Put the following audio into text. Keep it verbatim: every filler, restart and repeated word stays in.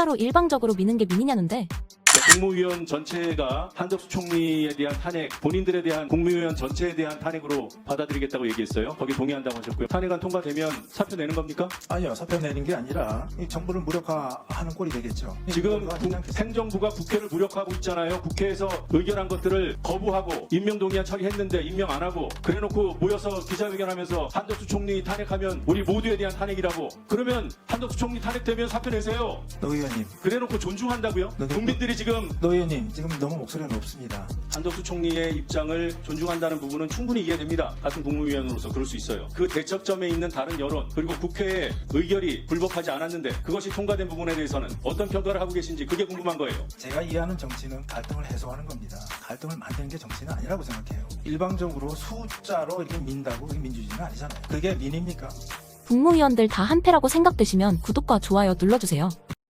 숫자로 일방적으로 미는 게 민이냐는데. 국무위원 전체가 한덕수 총리에 대한 탄핵, 본인들에 대한 국무위원 전체에 대한 탄핵으로 받아들이겠다고 얘기했어요. 거기 동의한다고 하셨고요. 탄핵안 통과되면 사표 내는 겁니까? 아니요, 사표 내는 게 아니라 이 정부를 무력화하는 꼴이 되겠죠. 지금 국- 행정부가 국회를 무력화하고 있잖아요. 국회에서 의결한 것들을 거부하고 임명동의안 처리했는데 임명 안 하고 그래놓고 모여서 기자회견하면서 한덕수 총리 탄핵하면 우리 모두에 대한 탄핵이라고. 그러면 한덕수 총리 탄핵되면 사표 내세요. 노 의원님, 그래놓고 존중한다고요? 네, 네. 국민들이 지금 노 의원님 지금 너무 목소리가 높습니다. 한덕수 총리의 입장을 존중한다는 부분은 충분히 이해됩니다. 같은 국무위원으로서 그럴 수 있어요. 그 대척점에 있는 다른 여론 그리고 국회의 의결이 불법하지 않았는데 그것이 통과된 부분에 대해서는 어떤 평가를 하고 계신지 그게 궁금한 거예요. 제가 이해하는 정치는 갈등을 해소하는 겁니다. 갈등을 만드는 게 정치는 아니라고 생각해요. 일방적으로 숫자로 이렇게 민다고 그게 민주주의는 아니잖아요. 그게 민입니까? 국무위원들 다 한패라고 생각되시면 구독과 좋아요 눌러주세요.